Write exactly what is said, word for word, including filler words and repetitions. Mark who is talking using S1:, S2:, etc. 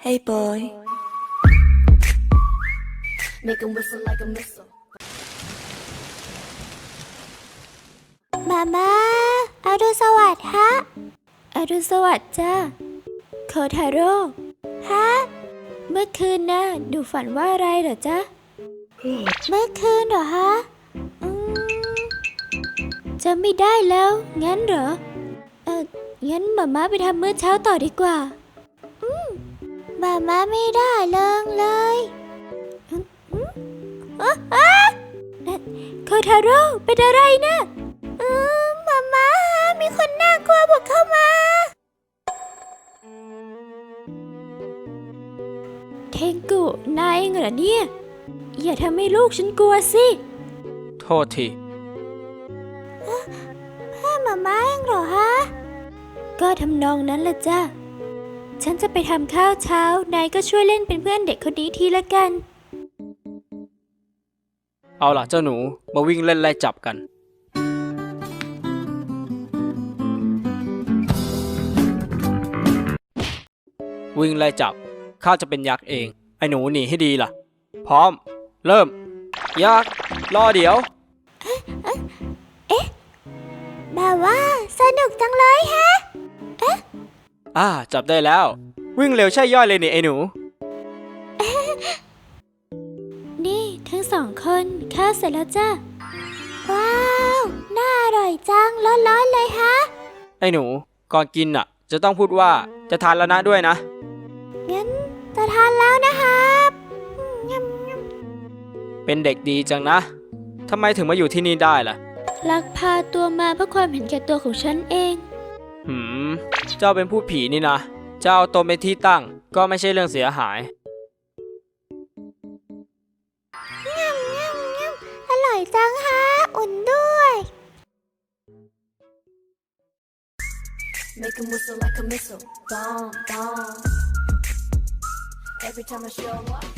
S1: Hey boy.
S2: Make 'em whistle like a missile.
S3: มาม่าอรุณสวัสดิ์ฮะอรุณสวัสดิ์จ้าโคทาโร่ฮะเมื่อคืนน่ะหนูฝันว่าอะไรเหรอจ๊ะเมื่อคืนเหรอฮะอืมจำไม่ได้แล้วงั้นเหรอเอองั้นมาม่าไปทำมื้อเช้าต่อดีกว่าอืมมาม่าไม่ได้เลิงเลยอืมอืมอ๊ะอ๊ะนั่นโคทาโร่เป็นอะไรนะอืมมาม่ามีคนน่ากลัวบุกเข้ามาเทงกุนายเองเหรอเนี่ยอย่าทำให้ลูกฉันกลัวสิ
S4: โทษที
S3: พ่อมาม่าเองเหรอฮะก็ทำนองนั้นแหละจ้ะฉันจะไปทำข้าวเช้านายก็ช่วยเล่นเป็นเพื่อนเด็กคนนี้ทีละกัน
S4: เอาล่ะเจ้าหนูมาวิ่งเล่นไล่จับกันวิ่งไล่จับข้าจะเป็นยักษ์เองไอ้หนูหนีให้ดีล่ะพร้อมเริ่มยักษ์รอเดี๋ยว
S3: เอ๊ะแบบว่าสนุกจังเลยฮะเอ๊ะ
S4: อ่าจับได้แล้ววิ่งเร็วใช่ย่อยเลยนี่ไอ้หนู
S3: นี่ทั้งสองคนข้าวเสร็จแล้วจ้ะว้าวน่าอร่อยจังร้อนๆเลยฮะ
S4: ไอ้หนูก่อนกินอ่ะจะต้องพูดว่าจะทานแล้วนะด้วยนะ
S3: งั้นจะทานแล้วนะครับ
S4: เป็นเด็กดีจังนะทำไมถึงมาอยู่ที่นี่ได้ล่ะ
S3: ลักพาตัวมาเพื่อความเห็นแก่ตัวของฉันเอง
S4: หืมเจ้าเป็นผู้ผีนี่นะเจ้าเอาตนเป็นที่ตั้งก็ไม่ใช่เรื่องเสียหาย
S3: อร่อยจังฮะอุ่นด้วย
S2: Make 'em whistle like a missile. Bomb, bomb. Every time I show up.